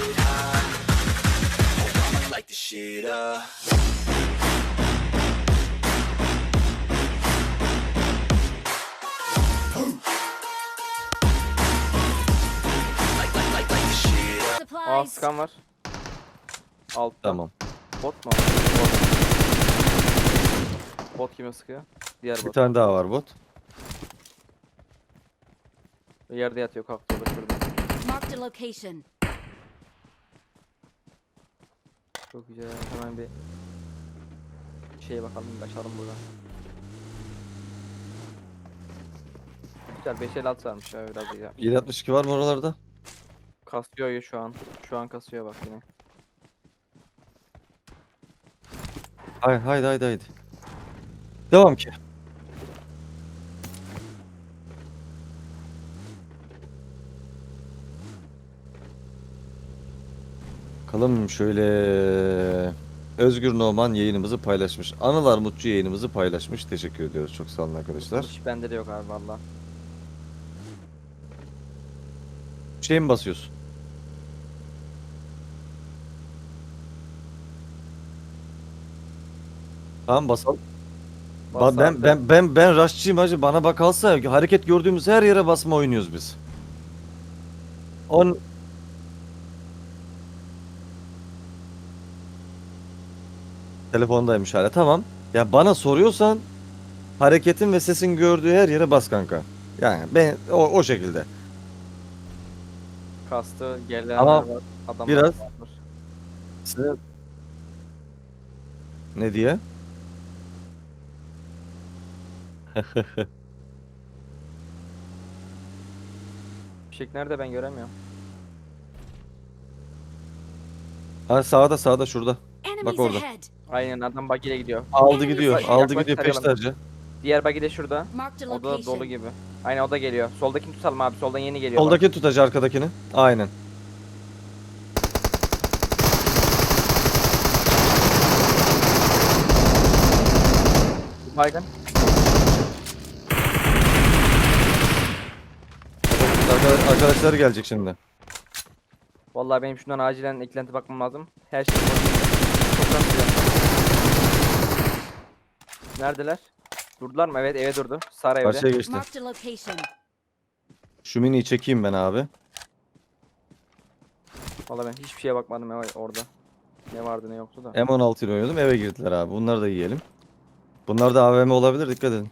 get high. Oh, I'ma light this shit up. Light this shit up. Aa Supplies. skan var. Altta. Tamam. Bot mu? Bot kime sıkıyor? Diğer Bir bot. tane daha var bot. Yerde yatıyor, kalktı o da şurada. Marked a location. Çok güzel. Hemen bir şeye bakalım, kaçalım buradan. Güzel 556 varmış ya, biraz iyi. 762 var mı oralarda? Kasıyor ya şu an. Şu an kasıyor bak yine. Haydi. Devam ki. Bakalım şöyle. Özgür Noman yayınımızı paylaşmış. Anıl Armutçu yayınımızı paylaşmış. Teşekkür ediyoruz. Çok sağ olun arkadaşlar. Hiç bende de yok abi valla. Şey mi basıyorsun? Tamam basalım. Bas Ben abi. ben rushçıyım hacı. Bana bakalsa hareket gördüğümüz her yere basma oynuyoruz biz. On telefondaymış hala. Tamam. Ya bana soruyorsan hareketin ve sesin gördüğü her yere bas kanka. Yani ben o şekilde. Kastı gelenler Ama var. Adamlar biraz- var. Size ne diye? Fişek nerede, ben göremiyorum. Ha sağda şurada. Enemies orada. ahead. Aynen, adam buggy ile gidiyor. Aldı gidiyor. Yaklaş, Aldı yaklaş, gidiyor tarayalım. peşterce. Diğer buggy de şurada. Marked a O da dolu location. gibi. Aynen, o da geliyor. Soldakini tutalım abi. Soldan yeni geliyor. bak. Soldaki tutacı arkadakini. Aynen. Baygın. Arkadaşlar gelecek şimdi. Vallahi benim şundan acilen eklenti bakmam lazım. Her şey çok kasıyor. Neredeler? Durdular mı? Evet, eve durdu. Sarı evde. Karşıya geçti. Marked a location. Şu miniyi çekeyim ben abi. Vallahi ben hiçbir şeye bakmadım orada. Ne vardı ne yoktu da. M16 ile oynadım. Eve girdiler abi. Bunları da yiyelim. Bunlar da AVM olabilir. Dikkat edin.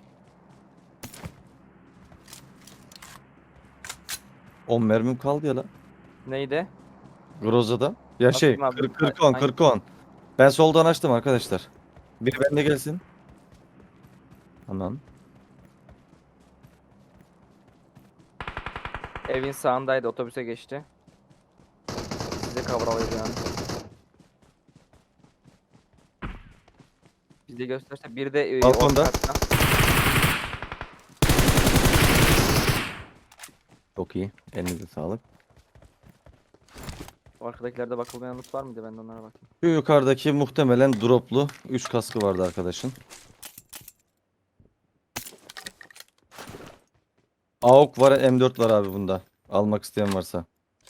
10 mermim kaldı ya lan. Neydi? Groza'da. Ya şey Atayım abi. 40 Hangi- 40 Ben soldan açtım arkadaşlar. Biri bende gelsin. Tamam. Evin sağındaydı, otobüse geçti. Size kavralıydı yani. Bize gösterse bir de Balkonda. orta katta. Çok iyi. Elinize sağlık. O arkadakilerde bakılmayan loot var mıydı? Ben de onlara bakayım. Şu yukarıdaki muhtemelen droplu 3 kaskı vardı arkadaşın. AUK var, M4 var abi bunda. Almak isteyen varsa.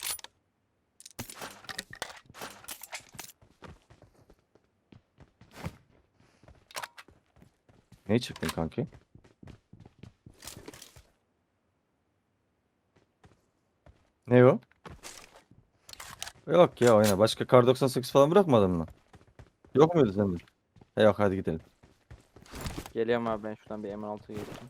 Ne çıktın kanki? Ne o? Yok ya oyna. Başka kar 98 falan bırakmadın mı? Yok muydu sende? Yok hadi gidelim. Geliyorum abi, ben şuradan bir M16'ya geçeyim.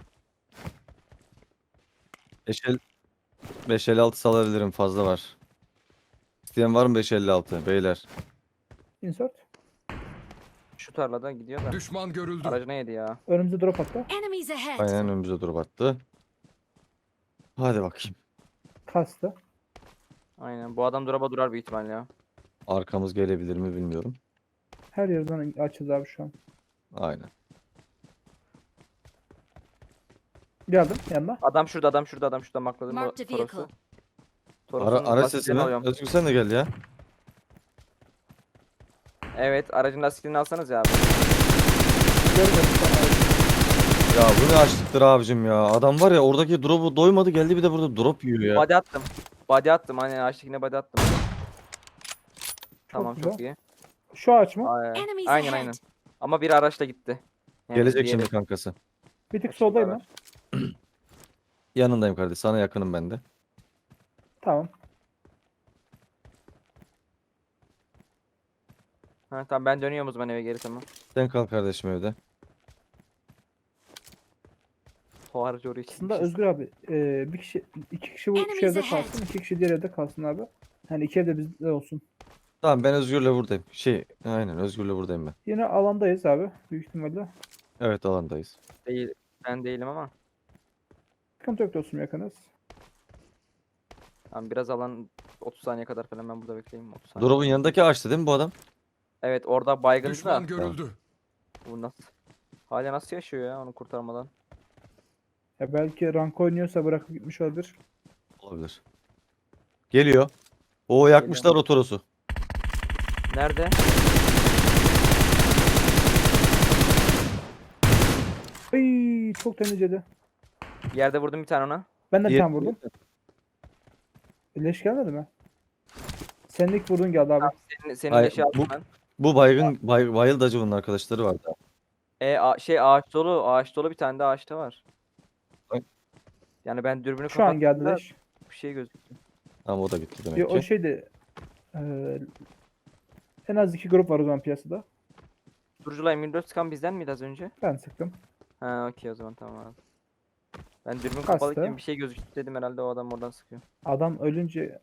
556 salabilirim, fazla var. İsteyen var mı 556 beyler? Insert. Şu tarlada gidiyor da. Düşman görüldü. Aracına yedi ya. Önümüzde drop attı. Enemies ahead. Aynen önümüze dur battı. Hadi bakayım. Kastı. Aynen, bu adam duraba durar büyük ihtimalle ya. Arkamız gelebilir mi bilmiyorum. Her yerden açız abi şu an. Aynen. Geldim yanına. Adam şurada, adam şurada, adam şurada, makladım bu Marked a Toros'u. vehicle. Toros'un Araç lastiklerini sesi mi? alıyorum. Özgür sen de gel ya. Evet, aracın lastiklerini alsanız ya abi. Görmedim sana. Ya bu ne açlıktır abicim ya. Adam var ya oradaki drop'u doymadı geldi bir de burada drop yiyor ya. Body attım. Body attım, hani ağaçtakine body attım. Tamam güzel. çok iyi. Şu ağaç mı? Enemies Aynen ahead. aynen. Ama bir araçla gitti. Yani Gelecek diğeri- şimdi kankası. Bir tık Şimdi soldayım ben. araç. Yanındayım kardeş. Sana yakınım ben de. Tamam. Ha, tamam ben dönüyorum o zaman eve geri tamam. Sen kal kardeşim evde. O aracı oraya Aslında çekmişiz. Özgür abi bir kişi, iki kişi bu şu Enemies evde ahead. kalsın, iki kişi diğer evde kalsın abi. Yani iki evde bizde olsun. Tamam ben Özgür'le buradayım. Aynen Özgür'le buradayım ben. Yine alandayız abi büyük ihtimalle. Evet alandayız. Değil, ben değilim ama. Sıkıntı yok dostum, yakınız. Tamam biraz alan 30 saniye kadar falan ben burada bekleyeyim. 30 saniye. Drop'un yanındaki ağaçta değil mi bu adam? Evet orada baygın da. Düşman görüldü. Bu nasıl? Hala nasıl yaşıyor ya onu kurtarmadan? Ya belki rank oynuyorsa bırakıp gitmiş olabilir. Olabilir. Geliyor. O yakmışlar o Toros'u. Nerede? Ay çok temizledi. Bir yerde vurdum bir tane ona. Ben de bir Diğer- tane vurdum. Leş gelmedi mi? Senin ilk vurduğun geldi abi. Senin Ay, leşi aldım bu- ben. Bu Bayıl Dacı'nın arkadaşları vardı. Ağaç dolu. Ağaç dolu bir tane de ağaçta var. Ay. Yani ben dürbünü Şu an geldi kapattığımda leş. bir şey gözüktü. Ama o da gitti demek Ya, o ki. şeydi. En az iki grup var o zaman piyasada. Durucula M24 sıkan bizden miydi az önce? Ben sıktım. Ha okey o zaman tamam abi. Ben dürbün Kastı. kapalıyken bir şey gözüktü dedim herhalde o adam oradan sıkıyor. Adam ölünce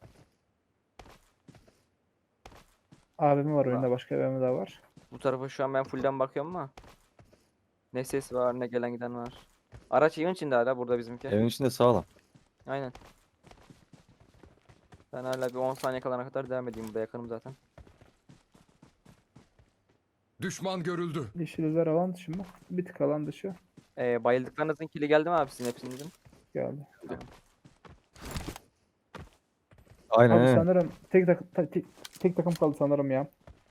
AVM var oyunda, başka AVM daha var. Bu tarafa şu an ben fullden bakıyorum ama. Ne ses var ne gelen giden var. Araç evin içinde hala burada bizimki. Evin içinde sağlam. Aynen. Ben hala bir 10 saniye kalana kadar devam edeyim burada yakınım zaten. Düşman görüldü. Yeşiller alan dışı mı? Bir tık alan dışı Bayıldıklarınızın kili geldi mi abi sizin hepsinizin? geldi. Aynen. Abi aynen. sanırım tek takım kaldı sanırım ya.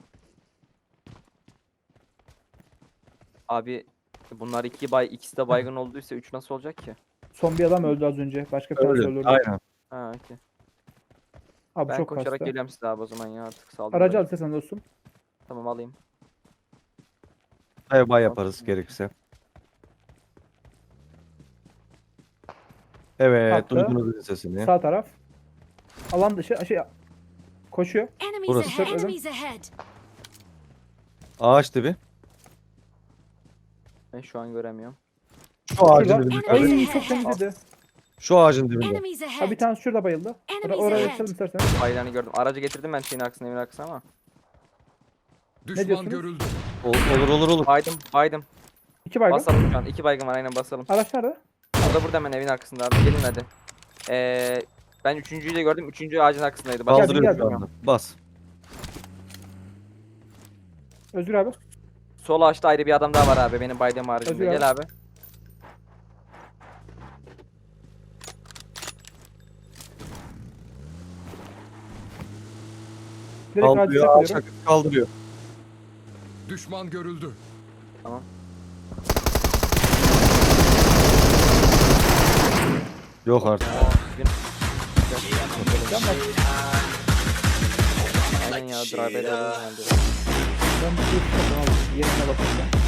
Abi bunlar ikisi de baygın olduysa 3 nasıl olacak ki? Son bir adam öldü az önce. Başka bir tanesi Öyle. öldürdü. Aynen. Ha okey. Abi Ben çok koşarak kastı. geliyorum size abi o zaman ya artık saldım. Aracı ben. al sen dostum. Tamam alayım. Bay yaparız gerekirse. Evet, Attı. duydunuz dedi sesini. Sağ taraf. Alan dışı koşuyor. Enemies Burası. ahead. Enemies ahead. Ağaç dibi. Ben şu an göremiyorum. Şu ağacın Şurada. dibinde. Ay. kardeş. Ay çok temizledi. Şu ağacın dibinde. Enemies Ha ahead. bir tanesi şurada bayıldı. Enemies Oraya ahead. geçelim isterseniz. Bayrağını gördüm. Aracı getirdim ben şeyin arkasına evin arkasına ama. Düşman diyorsunuz? görüldü. Olur. Baydım. İki baygın. Basalım şu an. 2 baygın var aynen basalım. Araç nerede? Orada burada hemen evin arkasında abi. Gelin hadi. Ben üçüncüyü de gördüm. Üçüncü ağacın arkasındaydı. Başka Kaldırıyor geldi. şu anda. Bas. Özgür abi. Sol ağaçta ayrı bir adam daha var abi. Benim baydığım haricinde. Özgür abi. Gel abi. Direkt ağacı Kaldırıyor. Ağaç çakıyorum. hakikaten kaldırıyor. Düşman görüldü. Tamam. Yok artık. Aynen ya. Drive'e de herhalde. Ben bir şey yapalım abi. Yerine bakacağım.